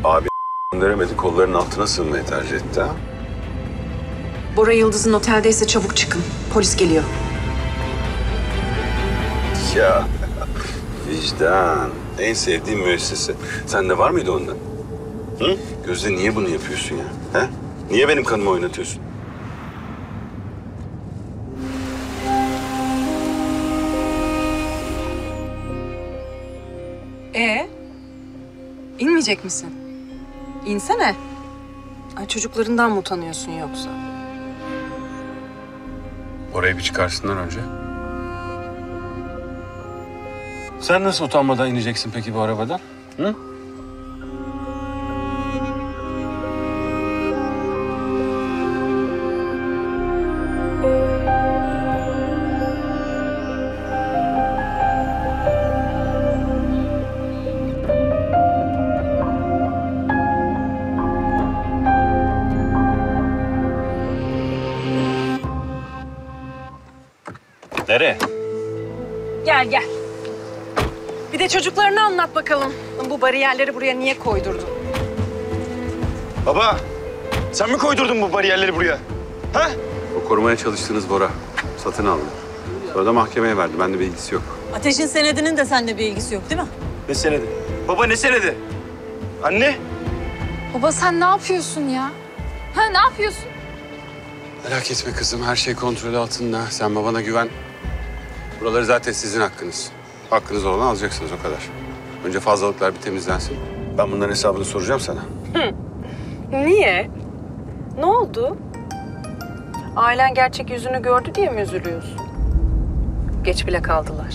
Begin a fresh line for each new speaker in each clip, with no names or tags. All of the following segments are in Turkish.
Abi gönderemedi, kollarının altına sığınmayı tercih etti ha.
Bora Yıldız'ın oteldeyse çabuk çıkın. Polis geliyor.
Ya vicdan. En sevdiğim müessese. Sende var mıydı ondan? Hı? Gözde niye bunu yapıyorsun ya? He? Niye benim kanımı oynatıyorsun?
İnmeyecek misin? İnsene. Ay, çocuklarından mı utanıyorsun yoksa?
Orayı bir çıkarsınlar önce. Sen nasıl utanmadan ineceksin peki bu arabadan? Hı? Nereye?
Gel gel. Bir de çocuklarına anlat bakalım. Bu bariyerleri buraya niye koydurdun?
Baba, sen mi koydurdun bu bariyerleri buraya? Ha?
O korumaya çalıştığınız Bora satın aldı. Sonra da mahkemeye verdi. Bende bir ilgisi yok.
Ateş'in senedinin de seninle bir ilgisi yok değil mi?
Ne senedi? Baba ne senedi? Anne?
Baba sen ne yapıyorsun ya? Ha ne yapıyorsun?
Merak etme kızım. Her şey kontrol altında. Sen babana güven. Buraları zaten sizin hakkınız. Hakkınız olanı alacaksınız o kadar. Önce fazlalıklar bir temizlensin. Ben bunların hesabını soracağım sana.
Niye? Ne oldu? Ailen gerçek yüzünü gördü diye mi üzülüyorsun? Geç bile kaldılar.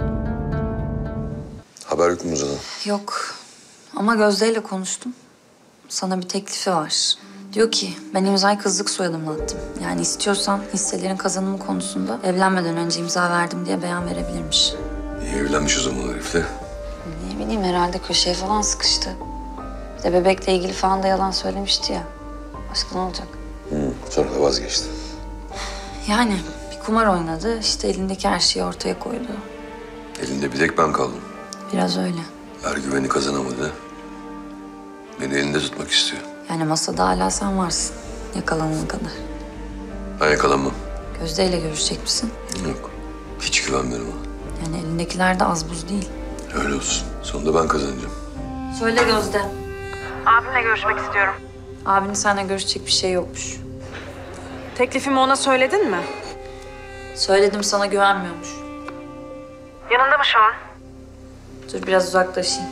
Haber yok mu Canım?
Yok ama Gözde'yle konuştum. Sana bir teklifi var. Diyor ki ben imzayı kızlık soyadımla attım. Yani istiyorsan hisselerin kazanımı konusunda evlenmeden önce imza verdim diye beyan verebilirmiş.
İyi evlenmiş o zaman herifle.
Ne bileyim herhalde köşeye falan sıkıştı. Bir de bebekle ilgili falan da yalan söylemişti ya. Başka ne olacak?
Sonra da vazgeçti.
Yani bir kumar oynadı. İşte elindeki her şeyi ortaya koydu.
Elinde bir tek ben kaldım.
Biraz öyle.
Ergüven'i kazanamadı. Beni elinde tutmak istiyor.
Yani masada hala sen varsın. Yakalanana kadar.
Ben yakalanmam.
Gözde'yle görüşecek misin?
Yok. Hiç güvenmiyorum ona.
Yani elindekiler de az buz değil.
Öyle olsun. Sonunda ben kazanacağım.
Söyle Gözde.
Abimle görüşmek istiyorum.
Abinin seninle görüşecek bir şey yokmuş.
Teklifimi ona söyledin mi?
Söyledim sana güvenmiyormuş.
Yanında mı şu an?
Dur biraz uzaklaşayım.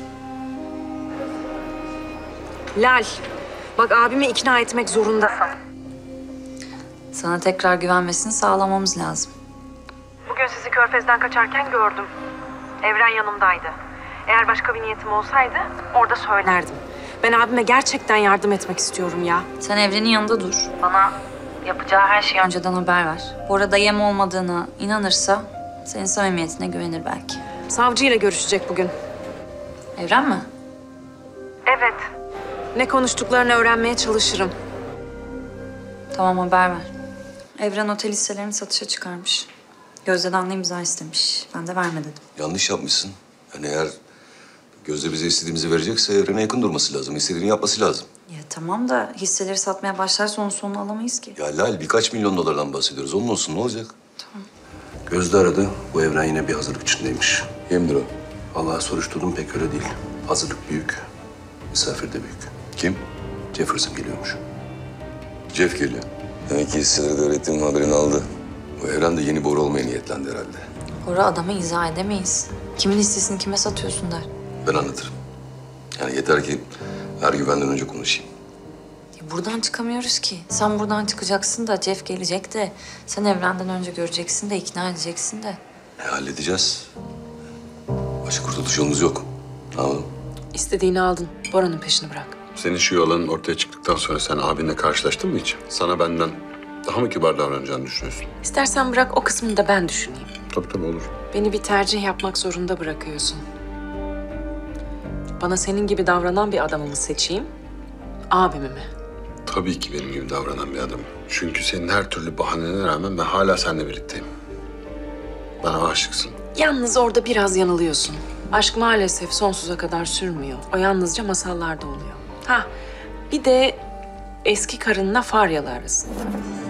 Lal, bak abimi ikna etmek zorundasın.
Sana tekrar güvenmesini sağlamamız lazım.
Bugün sizi Körfez'den kaçarken gördüm. Evren yanımdaydı. Eğer başka bir niyetim olsaydı orada söylerdim. Ben abime gerçekten yardım etmek istiyorum ya.
Sen Evren'in yanında dur. Bana yapacağı her şeyi önceden haber ver. Orada yem olmadığına inanırsa senin samimiyetine güvenir belki.
Savcıyla görüşecek bugün.
Evren mi?
Evet. Ne konuştuklarını öğrenmeye çalışırım.
Tamam haber ver. Evren otel hisselerini satışa çıkarmış. Gözde'den de imza istemiş. Ben de verme dedim.
Yanlış yapmışsın. Yani eğer Gözde bize istediğimizi verecekse Evren'e yakın durması lazım. İstediğini yapması lazım.
Ya tamam da hisseleri satmaya başlarsa onun sonunu alamayız ki.
Ya Lal birkaç milyon dolardan bahsediyoruz. Onun olsun ne olacak? Tamam. Gözde aradı. Bu Evren yine bir hazırlık içindeymiş. Kimdir o? Vallahi soruşturdum pek öyle değil. Hazırlık büyük. Misafir de büyük. Kim? Jefferson geliyormuş. Jeff geliyor. Demek ki hisseleri de öğrettiğimin haberini aldı. Bu Evren de yeni boru olmaya niyetlendi herhalde.
Orada adamı izah edemeyiz. Kimin hissesini kime satıyorsun der.
Ben anlatırım. Yani yeter ki her güvenden önce konuşayım.
Ya buradan çıkamıyoruz ki. Sen buradan çıkacaksın da Jeff gelecek de... Sen Evren'den önce göreceksin de ikna edeceksin de.
Halledeceğiz. Başka kurtuluş yolumuz yok. Ne yapalım?
İstediğini aldın. Bora'nın peşini bırak.
Senin şu yalanın ortaya çıktıktan sonra sen abinle karşılaştın mı hiç? Sana benden daha mı kibar davranacağını düşünüyorsun?
İstersen bırak o kısmını da ben düşüneyim.
Tabii olur.
Beni bir tercih yapmak zorunda bırakıyorsun. Bana senin gibi davranan bir adamı mı seçeyim, abimi mi?
Tabii ki benim gibi davranan bir adam. Çünkü senin her türlü bahanene rağmen ben hala seninle birlikteyim. Bana aşıksın.
Yalnız orada biraz yanılıyorsun. Aşk maalesef sonsuza kadar sürmüyor. O yalnızca masallarda oluyor. Ha, bir de eski karınla Faryalı arasında.